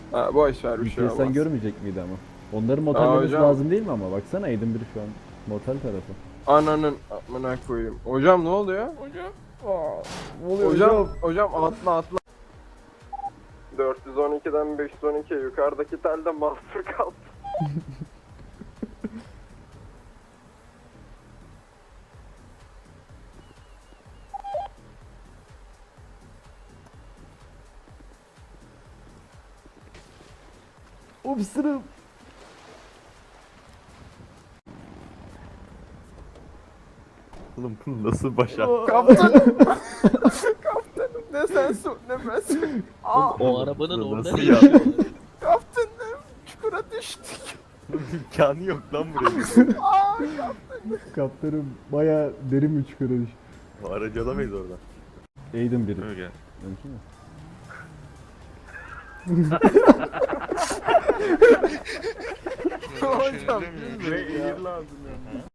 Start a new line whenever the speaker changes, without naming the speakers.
Ha, boş ver bir şey
UPS'ten
olmaz.
görmeyecek miydi ama? Onların
Aa,
motellemesi
hocam.
lazım değil mi ama? Baksana Edinburgh şu an motel tarafı.
Ananın amına koyayım. Hocam ne oluyor? Hocam.
Aa, ne oluyor
Hocam atla. 412'den 512 yukarıdaki telde mahsur kaldı.
Upsırım.
Oğlum bunu nasıl başar?
Kaptanım. Kaptanım ne sen su ne ben su. Aa,
O arabanın
Nasıl
orada ne
ya?
işi var?
kaptanım çukura düştük.
İmkanı yok lan buraya.
Aa,
Kaptanım baya derin bir çukura düş.
Aracı alamayız oradan.
Edinburgh.
Öyle.
Mümkün mü?
hocam. Ve İrlanda.